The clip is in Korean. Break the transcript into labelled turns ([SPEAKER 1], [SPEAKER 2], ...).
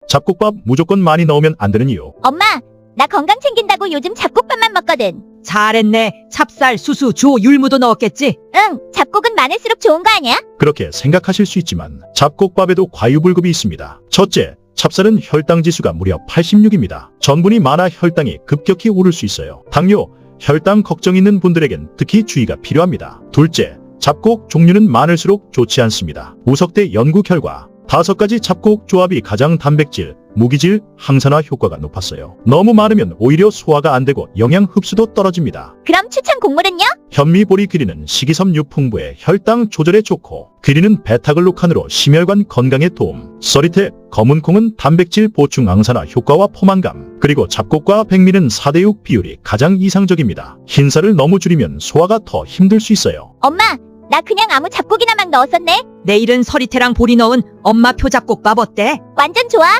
[SPEAKER 1] 잡곡밥 무조건 많이 넣으면 안 되는 이유.
[SPEAKER 2] 엄마, 나 건강 챙긴다고 요즘 잡곡밥만 먹거든.
[SPEAKER 3] 잘했네. 찹쌀, 수수, 주, 율무도 넣었겠지?
[SPEAKER 2] 응, 잡곡은 많을수록 좋은 거 아니야?
[SPEAKER 1] 그렇게 생각하실 수 있지만 잡곡밥에도 과유불급이 있습니다. 첫째, 찹쌀은 혈당 지수가 무려 86입니다. 전분이 많아 혈당이 급격히 오를 수 있어요. 당뇨, 혈당 걱정 있는 분들에겐 특히 주의가 필요합니다. 둘째, 잡곡 종류는 많을수록 좋지 않습니다. 우석대 연구 결과 5가지 잡곡 조합이 가장 단백질, 무기질, 항산화 효과가 높았어요. 너무 많으면 오히려 소화가 안 되고 영양 흡수도 떨어집니다.
[SPEAKER 2] 그럼 추천 곡물은요?
[SPEAKER 1] 현미보리 귀리는 식이섬유 풍부해 혈당 조절에 좋고, 귀리는 베타글루칸으로 심혈관 건강에 도움, 서리태, 검은콩은 단백질 보충 항산화 효과와 포만감, 그리고 잡곡과 백미는 4대6 비율이 가장 이상적입니다. 흰살을 너무 줄이면 소화가 더 힘들 수 있어요.
[SPEAKER 2] 엄마, 나 그냥 아무 잡곡이나 막 넣었었네.
[SPEAKER 3] 내일은 서리태랑 보리 넣은 엄마표 잡곡밥 어때?
[SPEAKER 2] 완전 좋아.